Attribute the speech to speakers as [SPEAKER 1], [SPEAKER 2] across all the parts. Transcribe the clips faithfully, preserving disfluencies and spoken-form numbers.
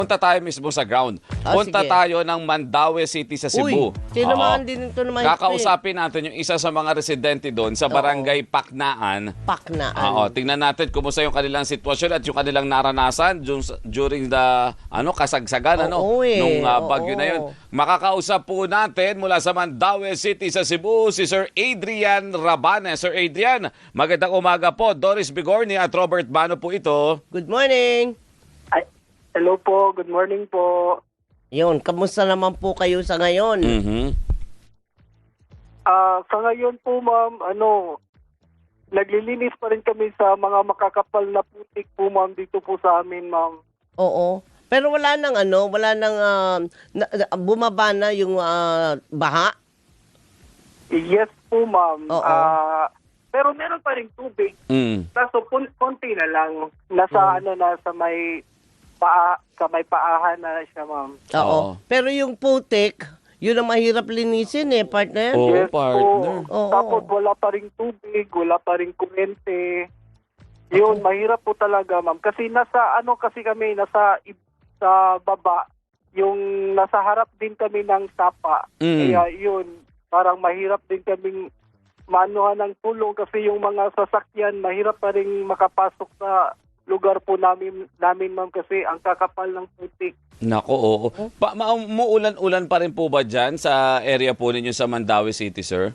[SPEAKER 1] Punta tayo mismo sa ground.
[SPEAKER 2] Ah,
[SPEAKER 1] Punta
[SPEAKER 2] sige.
[SPEAKER 1] tayo ng Mandaue City sa Cebu.
[SPEAKER 2] Uy, tinamaan
[SPEAKER 1] Oo.
[SPEAKER 2] din ito naman.
[SPEAKER 1] Kakausapin natin yung isa sa mga residente doon sa barangay Paknaan.
[SPEAKER 2] Paknaan.
[SPEAKER 1] Oo, tingnan natin kumusta yung kanilang sitwasyon at yung kanilang naranasan dun sa- during the ano kasagsagan ano
[SPEAKER 2] Oo, eh.
[SPEAKER 1] nung uh, bagyo
[SPEAKER 2] Oo.
[SPEAKER 1] na yun. Makakausap po natin mula sa Mandaue City sa Cebu si Sir Adrian Rabane. Sir Adrian, magandang umaga po. Doris Bigorni at Robert Bano po ito.
[SPEAKER 2] Good morning.
[SPEAKER 3] Ay, hello po, good morning po.
[SPEAKER 2] Yun, kamusta naman po kayo sa ngayon?
[SPEAKER 1] Mhm.
[SPEAKER 3] Ah, sa ngayon po ma'am, ano, naglilinis pa rin kami sa mga makakapal na putik po ma'am dito po sa amin ma'am.
[SPEAKER 2] Oo. Pero wala nang ano, wala nang ah, na- na- bumaba na yung ah, baha?
[SPEAKER 3] Yes po ma'am.
[SPEAKER 2] Oo.
[SPEAKER 3] Ah, pero meron pa rin tubig.
[SPEAKER 1] Mm.
[SPEAKER 3] Kaso kun- konti na lang. Nasa ano na sa may paa, sa may paahan na siya ma'am.
[SPEAKER 2] Oo.
[SPEAKER 1] Oo.
[SPEAKER 2] Pero yung putik, yun ang mahirap linisin eh, partner.
[SPEAKER 1] Oo,
[SPEAKER 3] Yes
[SPEAKER 1] partner.
[SPEAKER 3] po.
[SPEAKER 2] Oo.
[SPEAKER 3] Tapos wala pa rin tubig, wala pa rin kuryente. Yun, mahirap po talaga, ma'am. Kasi nasa, ano kasi kami, nasa i- sa baba, yung nasa harap din kami ng sapa.
[SPEAKER 1] Mm.
[SPEAKER 3] Kaya yun, parang mahirap din kaming maanuhan ng tulong kasi yung mga sasakyan, mahirap pa rin makapasok sa lugar po namin, namin ma'am, kasi ang kakapal ng putik.
[SPEAKER 1] Nako, oo. Pa, ma- muulan-ulan pa rin po ba dyan sa area po ninyo sa Mandaue City, sir?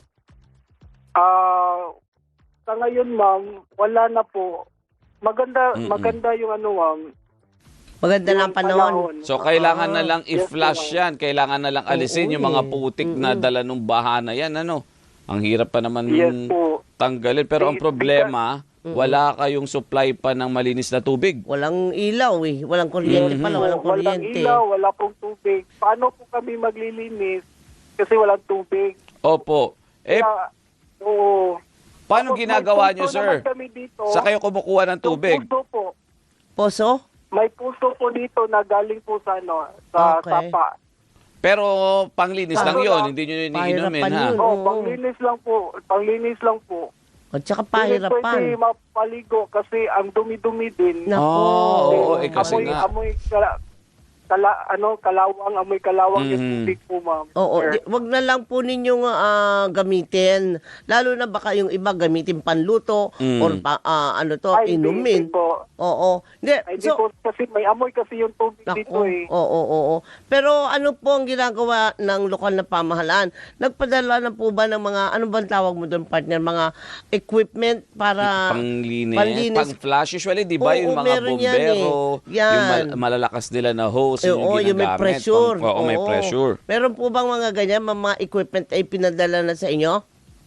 [SPEAKER 3] Ah, sa ngayon, ma'am, wala na po. Maganda,
[SPEAKER 1] Mm-mm.
[SPEAKER 3] maganda yung ano, ma'am.
[SPEAKER 2] Maganda na ang
[SPEAKER 3] yung
[SPEAKER 2] panahon.
[SPEAKER 1] So, kailangan na
[SPEAKER 2] Ah,
[SPEAKER 1] lang
[SPEAKER 3] yes,
[SPEAKER 1] i-flush
[SPEAKER 3] ma'am.
[SPEAKER 1] yan. Kailangan na lang alisin
[SPEAKER 2] Oo,
[SPEAKER 1] yung mga
[SPEAKER 2] eh.
[SPEAKER 1] putik na dala nung baha na yan, ano? Ang hirap pa naman
[SPEAKER 3] Yes po.
[SPEAKER 1] tanggalin. Pero ang
[SPEAKER 3] Di-
[SPEAKER 1] problema, wala kayong supply pa ng malinis na tubig.
[SPEAKER 2] Walang ilaw eh. Walang kuryente
[SPEAKER 1] Mhm.
[SPEAKER 2] pala, walang
[SPEAKER 3] Walang
[SPEAKER 2] kuryente.
[SPEAKER 3] ilaw, wala pong tubig. Paano po kami maglilinis? Kasi walang tubig.
[SPEAKER 1] Opo. Eh,
[SPEAKER 3] Kaya, oo.
[SPEAKER 1] paano
[SPEAKER 3] Tapos may
[SPEAKER 1] ginagawa
[SPEAKER 3] puso
[SPEAKER 1] nyo, sir?
[SPEAKER 3] naman kami dito.
[SPEAKER 1] Sa kayo kumukuha ng
[SPEAKER 3] Yung
[SPEAKER 1] tubig?
[SPEAKER 3] puso po.
[SPEAKER 2] Poso?
[SPEAKER 3] May puso po dito na galing po sa ano, sa
[SPEAKER 2] Okay.
[SPEAKER 3] sapa.
[SPEAKER 1] Pero panglinis lang
[SPEAKER 3] Kaso
[SPEAKER 1] yun.
[SPEAKER 3] lang,
[SPEAKER 1] Hindi nyo yun
[SPEAKER 2] pahirapan
[SPEAKER 1] iniinumin, ha?
[SPEAKER 2] yun.
[SPEAKER 3] Oh,
[SPEAKER 2] Oo.
[SPEAKER 3] panglinis lang po. Panglinis lang po.
[SPEAKER 2] At saka
[SPEAKER 3] Hindi pwede
[SPEAKER 2] pahirapan.
[SPEAKER 3] mapaligo kasi ang dumi-dumi din.
[SPEAKER 2] Nako.
[SPEAKER 1] Oo, oo, eh, kasi
[SPEAKER 3] amoy,
[SPEAKER 1] nga.
[SPEAKER 3] amoy kala, kala, ano, kalawang, amoy kalawang yung
[SPEAKER 1] Mhm.
[SPEAKER 3] tubig po, ma'am.
[SPEAKER 2] Oo,
[SPEAKER 3] Sir.
[SPEAKER 2] di, wag na lang po ninyong ah, gamitin. Lalo na baka yung iba gamitin panluto
[SPEAKER 1] Mm.
[SPEAKER 2] or pa, ah, ano to,
[SPEAKER 3] Ay, hindi,
[SPEAKER 2] inumin.
[SPEAKER 3] hindi po.
[SPEAKER 2] Oo. Hindi,
[SPEAKER 3] Ay, hindi
[SPEAKER 2] so,
[SPEAKER 3] po, kasi may amoy kasi yung tubig dito
[SPEAKER 2] Naku,
[SPEAKER 3] eh.
[SPEAKER 2] oo, oo, oo. Pero ano po ang ginagawa ng lokal na pamahalaan? Nagpadala na po ba ng mga, ano bang tawag mo doon, partner, mga equipment para
[SPEAKER 1] Panglinis,
[SPEAKER 2] panlinis.
[SPEAKER 1] pang-flash. Usually, di ba,
[SPEAKER 2] Oo,
[SPEAKER 1] yung mga
[SPEAKER 2] meron yan
[SPEAKER 1] bombero,
[SPEAKER 2] eh. Yan.
[SPEAKER 1] yung mal- malalakas nila na hose,
[SPEAKER 2] Eh,
[SPEAKER 1] yun
[SPEAKER 2] oo,
[SPEAKER 1] yung
[SPEAKER 2] yung may
[SPEAKER 1] ginagamit.
[SPEAKER 2] pressure.
[SPEAKER 1] Pang- oo, may
[SPEAKER 2] Oo.
[SPEAKER 1] pressure.
[SPEAKER 2] Meron po bang mga ganyan, mga, mga equipment ay pinadala na sa inyo?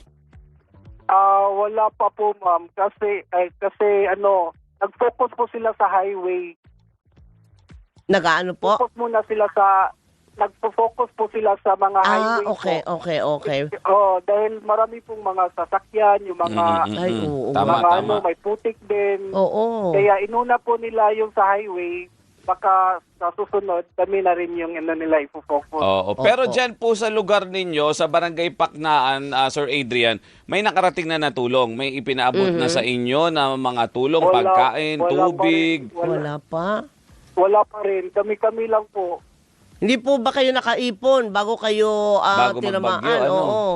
[SPEAKER 3] Ah, wala pa po, ma'am. Kasi, ay, kasi ano, nag-focus po sila sa highway.
[SPEAKER 2] Nagaano po?
[SPEAKER 3] Focus muna sila sa, nagpo-focus po sila sa mga
[SPEAKER 2] Ah,
[SPEAKER 3] highway
[SPEAKER 2] okay,
[SPEAKER 3] po.
[SPEAKER 2] okay, okay.
[SPEAKER 3] Oh, dahil marami pong mga sasakyan, yung mga,
[SPEAKER 1] Mm, mm,
[SPEAKER 2] Ay,
[SPEAKER 1] mm.
[SPEAKER 2] oo,
[SPEAKER 1] Tama,
[SPEAKER 3] mga
[SPEAKER 1] tama.
[SPEAKER 3] ano, may putik din.
[SPEAKER 2] Oo.
[SPEAKER 3] Kaya inuna po nila yung sa highway, baka sa susunod, kami na rin yung ano nila ipofocus.
[SPEAKER 1] Oo. Pero
[SPEAKER 2] Opo.
[SPEAKER 1] dyan po sa lugar ninyo, sa Barangay Paknaan, ah, Sir Adrian, may nakarating na natulong. May ipinaabot na sa inyo na mga tulong,
[SPEAKER 3] Wala-
[SPEAKER 1] pagkain,
[SPEAKER 3] wala pa
[SPEAKER 1] tubig.
[SPEAKER 3] rin. Wala,
[SPEAKER 2] Wala pa.
[SPEAKER 3] wala pa rin. Kami-kami lang po.
[SPEAKER 2] Hindi po ba kayo nakaipon bago kayo ah,
[SPEAKER 1] Bago
[SPEAKER 2] tinamaan?
[SPEAKER 1] magbagyo, ano?
[SPEAKER 2] Oo.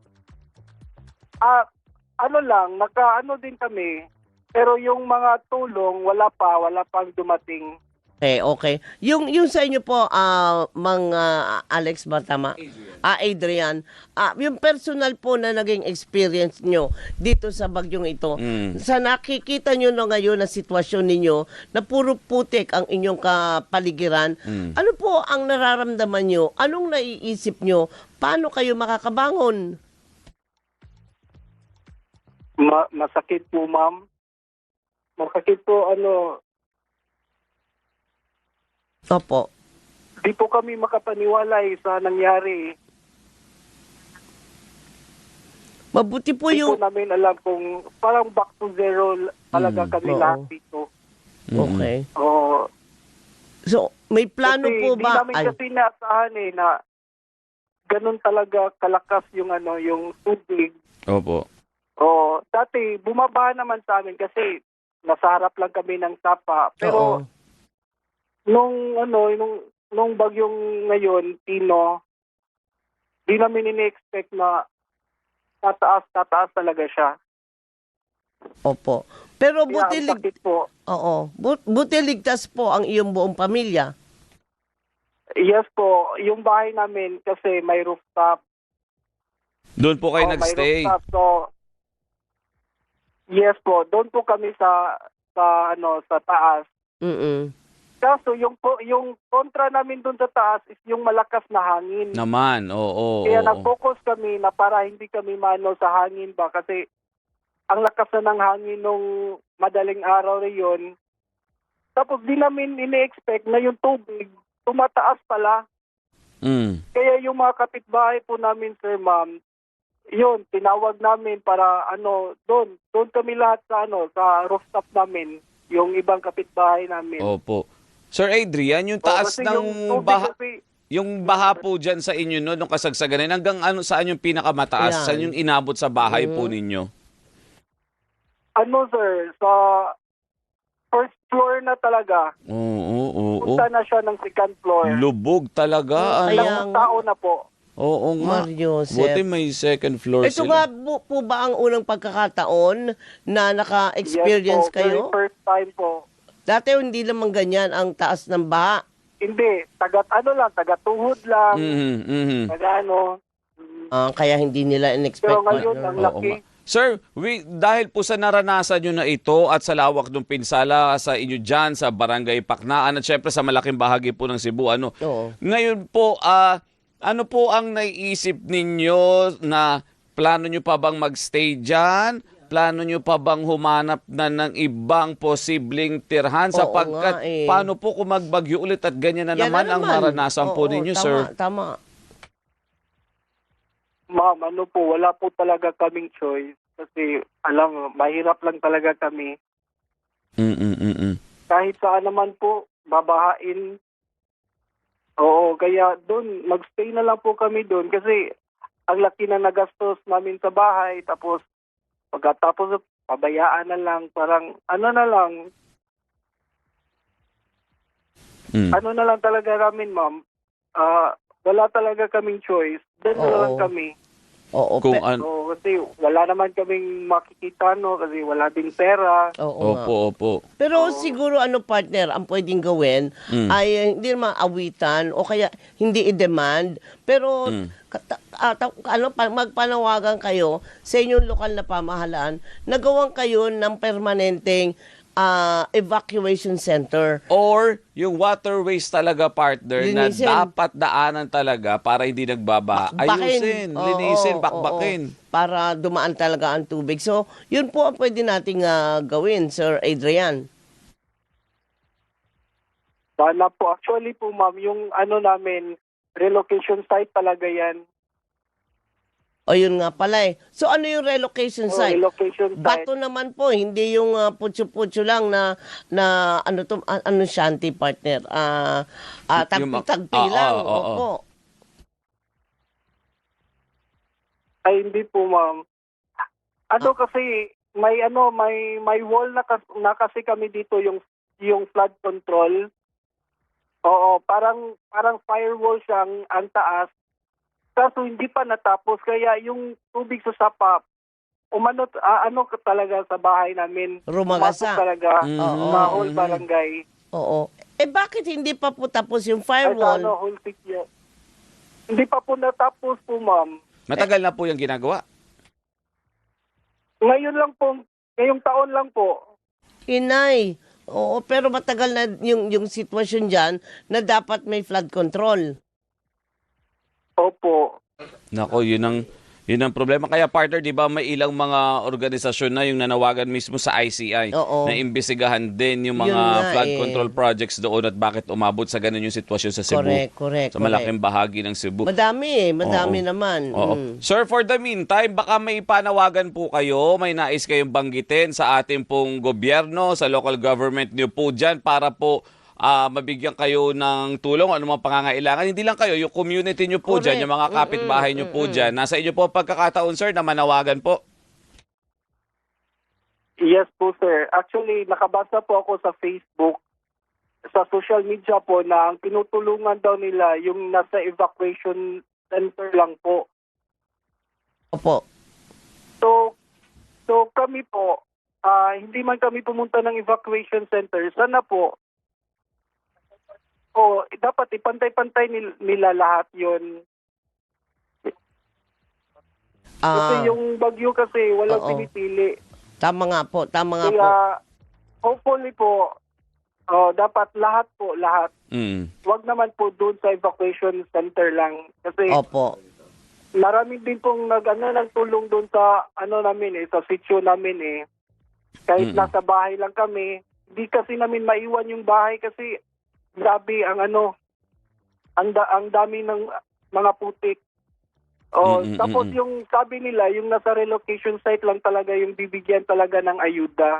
[SPEAKER 3] Ah, ano lang, naka-ano din kami. Pero yung mga tulong, wala pa. Wala pang dumating.
[SPEAKER 2] Okay, okay. Yung yung sa inyo po, ah, mga Alex ba tama? Ah, Adrian. Ah, yung personal po na naging experience nyo dito sa bagyong ito.
[SPEAKER 1] Mm.
[SPEAKER 2] Sa nakikita nyo na ngayon na sitwasyon ninyo na puro putik ang inyong kapaligiran,
[SPEAKER 1] Mm.
[SPEAKER 2] ano po ang nararamdaman nyo? Anong naiisip nyo? Paano kayo makakabangon?
[SPEAKER 3] Ma- masakit po, ma'am. Masakit po, ano,
[SPEAKER 2] Opo.
[SPEAKER 3] di po kami makapaniwala eh, sa nangyari.
[SPEAKER 2] Mabuti po
[SPEAKER 3] Hindi
[SPEAKER 2] yung...
[SPEAKER 3] po namin alam kung parang back to zero talaga
[SPEAKER 1] Mm.
[SPEAKER 3] kami
[SPEAKER 2] Oo.
[SPEAKER 3] lahat dito.
[SPEAKER 2] Okay.
[SPEAKER 3] Oh,
[SPEAKER 2] So, may plano
[SPEAKER 3] kasi
[SPEAKER 2] po
[SPEAKER 3] di
[SPEAKER 2] ba?
[SPEAKER 3] namin
[SPEAKER 2] Ay,
[SPEAKER 3] kasi naasahan eh na ganun talaga kalakas yung ano, yung tubig.
[SPEAKER 1] Opo.
[SPEAKER 3] Oh, dati bumaba naman sa amin kasi nasa harap lang kami ng sapa.
[SPEAKER 2] oo.
[SPEAKER 3] Pero nung ano, nung, nung bagyong ngayon, Tino, di namin ini-expect na tataas, tataas talaga siya.
[SPEAKER 2] Opo. Pero
[SPEAKER 3] Kaya
[SPEAKER 2] buti,
[SPEAKER 3] ang
[SPEAKER 2] lig-
[SPEAKER 3] sakit po.
[SPEAKER 2] Oo. Bu- buti ligtas po ang iyong buong pamilya.
[SPEAKER 3] Yes po, yung bahay namin kasi may rooftop.
[SPEAKER 1] Doon po kayo
[SPEAKER 3] Oh, may
[SPEAKER 1] nagstay.
[SPEAKER 3] rooftop. So, yes po, doon po kami sa sa ano sa taas.
[SPEAKER 2] Mm-mm.
[SPEAKER 3] Kaso yung po yung kontra namin doon sa taas is yung malakas na hangin.
[SPEAKER 1] Naman, oo.
[SPEAKER 3] Kaya
[SPEAKER 1] oo.
[SPEAKER 3] nag-focus kami na para hindi kami mano sa hangin ba kasi ang lakas na ng hangin nung madaling araw na yun. Tapos di namin ini-expect na yung tubig tumataas pala.
[SPEAKER 1] Mm.
[SPEAKER 3] Kaya yung mga kapitbahay po namin, sir, ma'am, yun, tinawag namin para ano, doon, doon kami lahat sa ano, sa rooftop namin, yung ibang kapitbahay namin.
[SPEAKER 1] Opo. Sir Adrian, yung
[SPEAKER 3] O,
[SPEAKER 1] taas
[SPEAKER 3] kasi
[SPEAKER 1] ng
[SPEAKER 3] yung tubig
[SPEAKER 1] baha,
[SPEAKER 3] kasi-
[SPEAKER 1] yung baha po dyan sa inyo no, nung kasagsagan na yun, hanggang ano, saan yung pinakamataas?
[SPEAKER 2] Ayan.
[SPEAKER 1] Saan yung inabot sa bahay po
[SPEAKER 2] Mhm.
[SPEAKER 1] ninyo?
[SPEAKER 3] ano, sir, sa first floor na talaga.
[SPEAKER 1] Oo, oo, oo.
[SPEAKER 3] Punta na siya ng second floor.
[SPEAKER 1] Lubog talaga.
[SPEAKER 2] Kaya
[SPEAKER 1] ano?
[SPEAKER 3] Ilang tao na po.
[SPEAKER 1] Oo nga.
[SPEAKER 2] Mario
[SPEAKER 1] Buti
[SPEAKER 2] Joseph.
[SPEAKER 1] may second floor
[SPEAKER 2] Ito
[SPEAKER 1] sila.
[SPEAKER 2] nga po, po ba ang unang pagkakataon na naka-experience
[SPEAKER 3] Yes po,
[SPEAKER 2] kayo?
[SPEAKER 3] very first time po.
[SPEAKER 2] Dati hindi naman ganyan ang taas ng baha.
[SPEAKER 3] Hindi, taga ano lang, taga tuhod lang,
[SPEAKER 1] Mhm, mhm.
[SPEAKER 3] taga ano.
[SPEAKER 2] Ah, kaya hindi nila in-expect.
[SPEAKER 3] Pero ngayon,
[SPEAKER 2] partner.
[SPEAKER 3] ang
[SPEAKER 1] Oo
[SPEAKER 3] laki.
[SPEAKER 1] nga. Sir, we, dahil po sa naranasan nyo na ito at sa lawak ng pinsala sa inyo dyan, sa Barangay Paknaan at syempre sa malaking bahagi po ng Cebu, ano,
[SPEAKER 2] Oo.
[SPEAKER 1] ngayon po, ah, ano po ang naiisip ninyo na plano nyo pa bang magstay dyan? Plano nyo pa bang humanap na ng ibang posibleng tirhan?
[SPEAKER 2] Oo
[SPEAKER 1] Sapagkat
[SPEAKER 2] nga eh.
[SPEAKER 1] paano po kung magbagyo ulit at ganyan na
[SPEAKER 2] Yan
[SPEAKER 1] naman ang maranasan po
[SPEAKER 2] Oo,
[SPEAKER 1] ninyo,
[SPEAKER 2] tama,
[SPEAKER 1] sir?
[SPEAKER 2] Tama.
[SPEAKER 3] Ma'am, ano po, wala po talaga kaming choice. Kasi, alam mo, mahirap lang talaga kami.
[SPEAKER 1] Mm-mm-mm.
[SPEAKER 3] Kahit saan naman po, babahain. Oo, kaya doon, magstay na lang po kami doon. Kasi, ang laki na nagastos namin sa bahay. Tapos, pagkatapos, pabayaan na lang. Parang, ano na lang,
[SPEAKER 1] Mm.
[SPEAKER 3] ano na lang talaga namin, ma'am. Ah, wala talaga kaming choice. Doon na
[SPEAKER 2] Oo.
[SPEAKER 3] lang kami.
[SPEAKER 2] Oo,
[SPEAKER 1] Kung
[SPEAKER 2] pe-
[SPEAKER 1] an-
[SPEAKER 3] So, kasi wala naman kaming makikita, no? Kasi wala din pera.
[SPEAKER 2] oo nga.
[SPEAKER 1] Opo, opo.
[SPEAKER 2] Pero siguro ano partner, ang pwedeng gawin
[SPEAKER 1] Mm.
[SPEAKER 2] ay eh, hindi naman awitan o kaya hindi i-demand. Pero
[SPEAKER 1] Mm.
[SPEAKER 2] kata- ah, ta- ano, pa- magpanawagan kayo sa inyong lokal na pamahalaan na gawan kayo ng permanenteng ah, evacuation center.
[SPEAKER 1] Or yung waterways talaga, partner,
[SPEAKER 2] Linisin.
[SPEAKER 1] na dapat daanan talaga para hindi nagbabaha. Ayusin,
[SPEAKER 2] Oo,
[SPEAKER 1] linisin,
[SPEAKER 2] oo,
[SPEAKER 1] bakbakin.
[SPEAKER 2] oo. Para dumaan talaga ang tubig. So, yun po ang pwede nating ah, gawin, Sir Adrian.
[SPEAKER 3] Sana po. Actually po, ma'am, yung ano namin, relocation site talaga yan.
[SPEAKER 2] O yun nga pala eh. So, ano yung relocation
[SPEAKER 3] O,
[SPEAKER 2] site?
[SPEAKER 3] relocation site.
[SPEAKER 2] Bato naman po, hindi yung uh, putyo-putyo lang na na ano to ah, ano shanty partner. Ah, ah,
[SPEAKER 1] Yung ma-
[SPEAKER 2] tagpi-tagpi
[SPEAKER 1] Ah,
[SPEAKER 2] lang.
[SPEAKER 1] ah, ah,
[SPEAKER 2] Opo.
[SPEAKER 3] Ay, hindi po, ma'am. Ano
[SPEAKER 2] Ah.
[SPEAKER 3] kasi, may ano, may may wall na, kas, na kasi kami dito yung yung flood control. Oo, parang parang firewall siyang ang taas. Kaso hindi pa natapos kaya yung tubig sa sapa umano ah, ano ka talaga sa bahay namin.
[SPEAKER 2] Rumagasa.
[SPEAKER 3] Pumasok talaga
[SPEAKER 1] Mhm.
[SPEAKER 2] Oo.
[SPEAKER 3] sa whole barangay.
[SPEAKER 2] Oo. Eh bakit hindi pa po tapos yung
[SPEAKER 3] Ay, sa
[SPEAKER 2] firewall?
[SPEAKER 3] ano, whole city. Hindi pa po natapos po, ma'am.
[SPEAKER 1] Matagal na po yung ginagawa.
[SPEAKER 3] Ngayon lang po, ngayong taon lang po.
[SPEAKER 2] Inay. Oo, pero matagal na yung yung sitwasyon diyan na dapat may flood control.
[SPEAKER 3] Opo.
[SPEAKER 1] Nako, yun ang yun ang problema. Kaya, partner, di ba may ilang mga organisasyon na yung nanawagan mismo sa I C I
[SPEAKER 2] Oo.
[SPEAKER 1] na imbestigahan din yung mga
[SPEAKER 2] Yun nga
[SPEAKER 1] flood
[SPEAKER 2] eh.
[SPEAKER 1] control projects doon at bakit umabot sa ganun yung sitwasyon sa Cebu.
[SPEAKER 2] Correct, correct.
[SPEAKER 1] Sa malaking bahagi ng Cebu.
[SPEAKER 2] Madami eh, madami
[SPEAKER 1] Oo.
[SPEAKER 2] naman.
[SPEAKER 1] Oo.
[SPEAKER 2] Mm.
[SPEAKER 1] Sir, for the meantime, baka may panawagan po kayo, may nais kayong banggitin sa ating pong gobyerno, sa local government niyo po dyan para po ah, mabigyan kayo ng tulong o anumang pangangailangan. Hindi lang kayo, yung community niyo po
[SPEAKER 2] Correct.
[SPEAKER 1] dyan, yung mga kapitbahay niyo po dyan. Nasa inyo po ang pagkakataon, sir, na manawagan po.
[SPEAKER 3] Yes po, sir. Actually, nakabasa po ako sa Facebook. sa social media po na ang tinutulungan daw nila yung nasa evacuation center lang po.
[SPEAKER 2] Opo.
[SPEAKER 3] So, so kami po, ah, hindi man kami pumunta ng evacuation center, sana po, oh, dapat ipantay-pantay nil- nila lahat yon. Kasi
[SPEAKER 2] Ah,
[SPEAKER 3] yung bagyo kasi walang
[SPEAKER 2] oo.
[SPEAKER 3] pinipili.
[SPEAKER 2] tama nga po, tama nga po.
[SPEAKER 3] Kaya, hopefully po, oh, dapat lahat po, lahat.
[SPEAKER 1] Mm.
[SPEAKER 3] Wag naman po doon sa evacuation center lang. Kasi
[SPEAKER 2] Opo.
[SPEAKER 3] marami din pong nag, ano, nagtulong doon sa, ano namin eh, sa sitio namin eh. Kahit
[SPEAKER 1] Mm.
[SPEAKER 3] nasa bahay lang kami, di kasi namin maiwan yung bahay kasi grabe ang ano, ang, da, ang dami ng mga putik. Oh,
[SPEAKER 1] Mm, mm,
[SPEAKER 3] tapos
[SPEAKER 1] mm, mm.
[SPEAKER 3] yung sabi nila, yung nasa relocation site lang talaga yung bibigyan talaga ng ayuda.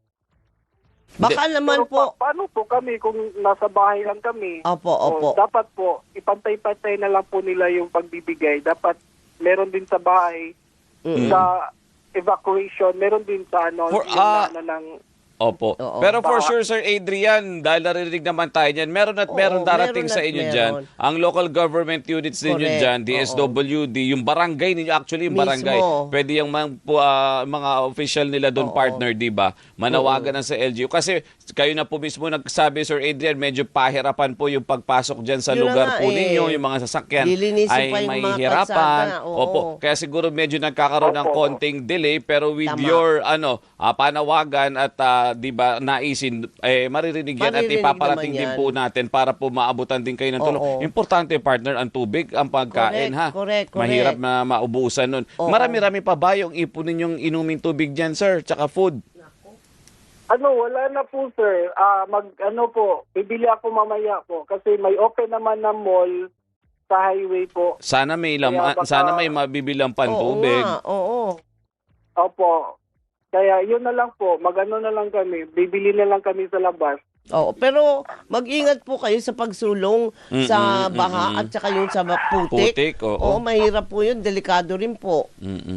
[SPEAKER 2] Baka naman
[SPEAKER 3] Pero
[SPEAKER 2] po.
[SPEAKER 3] pa- paano po kami kung nasa bahay lang kami?
[SPEAKER 2] Opo,
[SPEAKER 3] Oh,
[SPEAKER 2] opo.
[SPEAKER 3] dapat po, ipantay-pantay na lang po nila yung pagbibigay. Dapat meron din sa bahay,
[SPEAKER 2] Mm.
[SPEAKER 3] sa evacuation, meron din sa ano,
[SPEAKER 1] For-
[SPEAKER 3] yung
[SPEAKER 1] ah,
[SPEAKER 3] ano ng...
[SPEAKER 1] Opo.
[SPEAKER 2] Oo.
[SPEAKER 1] Pero for
[SPEAKER 3] Baka-
[SPEAKER 1] sure, Sir Adrian, dahil narinig naman tayo niyan, meron at
[SPEAKER 2] Oo,
[SPEAKER 1] meron darating
[SPEAKER 2] meron
[SPEAKER 1] sa
[SPEAKER 2] at
[SPEAKER 1] inyo
[SPEAKER 2] meron.
[SPEAKER 1] dyan. Ang local government units ninyo
[SPEAKER 2] Correct.
[SPEAKER 1] dyan, D S W D, yung barangay ninyo, actually yung barangay.
[SPEAKER 2] Mismo.
[SPEAKER 1] Pwede yung mga, pu- ah, mga official nila doon
[SPEAKER 2] Oo.
[SPEAKER 1] partner, di ba? Manawagan na sa L G U. Kasi kayo na po mismo nagsabi, Sir Adrian, medyo pahirapan po yung pagpasok dyan sa
[SPEAKER 2] Yun na
[SPEAKER 1] lugar
[SPEAKER 2] nga
[SPEAKER 1] po
[SPEAKER 2] eh.
[SPEAKER 1] ninyo, yung mga sasakyan
[SPEAKER 2] Lilinisin
[SPEAKER 1] ay
[SPEAKER 2] pa yung
[SPEAKER 1] may
[SPEAKER 2] mga
[SPEAKER 1] hirapan.
[SPEAKER 2] kalsada, oo.
[SPEAKER 1] Opo. Kaya siguro medyo nagkakaroon ng
[SPEAKER 3] Opo.
[SPEAKER 1] konting delay, pero with
[SPEAKER 2] Tama.
[SPEAKER 1] your ano ah, panawagan at ah, 'di ba naisin eh maririnig yan at
[SPEAKER 2] Maririnig
[SPEAKER 1] ipaparating
[SPEAKER 2] naman
[SPEAKER 1] din
[SPEAKER 2] yan.
[SPEAKER 1] po natin para po maabutan din kayo ng tulong.
[SPEAKER 2] Oo.
[SPEAKER 1] Importante partner ang tubig, ang pagkain
[SPEAKER 2] Correct,
[SPEAKER 1] ha.
[SPEAKER 2] correct, correct.
[SPEAKER 1] Mahirap na maubusan nun.
[SPEAKER 2] Oo.
[SPEAKER 1] Marami-rami pa ba yung ipunin yung inuming tubig diyan, sir? Tsaka food.
[SPEAKER 3] Ano, wala na po, sir. Ah, mag, ano po, bibili ako mamaya po. Kasi may open naman na mall sa highway po.
[SPEAKER 1] Sana may
[SPEAKER 3] Kaya
[SPEAKER 1] laman,
[SPEAKER 3] baka-
[SPEAKER 1] sana may mabibilang
[SPEAKER 2] Oo
[SPEAKER 1] pantubig.
[SPEAKER 2] nga, oo.
[SPEAKER 3] Opo. Kaya yun na lang po, mag-ano na lang kami, bibili na lang kami sa labas.
[SPEAKER 2] Oo, pero mag-ingat po kayo sa pagsulong
[SPEAKER 1] Mm,
[SPEAKER 2] sa
[SPEAKER 1] mm,
[SPEAKER 2] baha
[SPEAKER 1] mm,
[SPEAKER 2] at saka yung sa ba- putik.
[SPEAKER 1] Putik, oo.
[SPEAKER 2] Oo, mahirap po yun. Delikado rin po.
[SPEAKER 1] Mm-mm.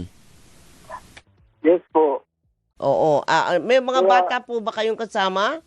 [SPEAKER 3] Yes po.
[SPEAKER 2] Oo. Ah, ah, may mga
[SPEAKER 3] Kaya-
[SPEAKER 2] bata po ba kayong kasama?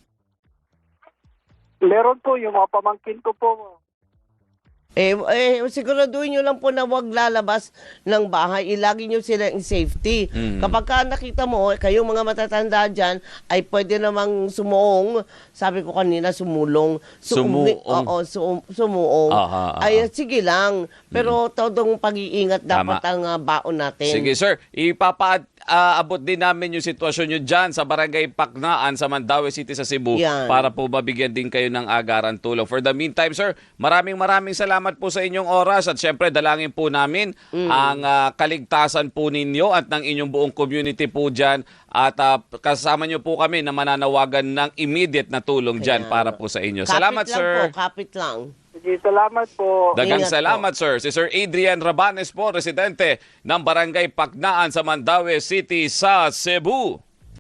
[SPEAKER 3] Meron po yung mga pamangkin ko po.
[SPEAKER 2] Eh, eh siguraduhin nyo lang po na wag lalabas ng bahay. Ilagi nyo sila in safety.
[SPEAKER 1] Mm.
[SPEAKER 2] Kapag ka nakita mo, eh, kayong mga matatanda dyan, ay pwede namang sumuong. Sabi ko kanina, sumulong.
[SPEAKER 1] Sumuong.
[SPEAKER 2] Oo, sum, sumuong.
[SPEAKER 1] Aha, aha.
[SPEAKER 2] Ay, sige lang. Pero todong pag-iingat dapat
[SPEAKER 1] Tama.
[SPEAKER 2] ang ah, baon natin.
[SPEAKER 1] Sige sir, ipapaabot din namin yung sitwasyon nyo dyan sa Barangay Paknaan sa Mandaue City sa Cebu
[SPEAKER 2] Yan.
[SPEAKER 1] para po mabigyan din kayo ng agaran tulong. For the meantime sir, maraming maraming salamat po sa inyong oras at syempre dalangin po namin
[SPEAKER 2] Mm.
[SPEAKER 1] ang ah, kaligtasan po ninyo at ng inyong buong community po dyan at ah, kasama nyo po kami na mananawagan ng immediate na tulong dyan
[SPEAKER 2] Kaya
[SPEAKER 1] para
[SPEAKER 2] nga.
[SPEAKER 1] po sa inyo.
[SPEAKER 2] Kapit
[SPEAKER 1] Salamat
[SPEAKER 2] lang
[SPEAKER 1] sir.
[SPEAKER 2] po, kapit lang.
[SPEAKER 3] Sige, salamat po.
[SPEAKER 1] Dagang
[SPEAKER 2] Ingat po.
[SPEAKER 1] salamat, sir. Si Sir Adrian Rabanes po, residente ng Barangay Paknaan sa Mandaue City sa Cebu.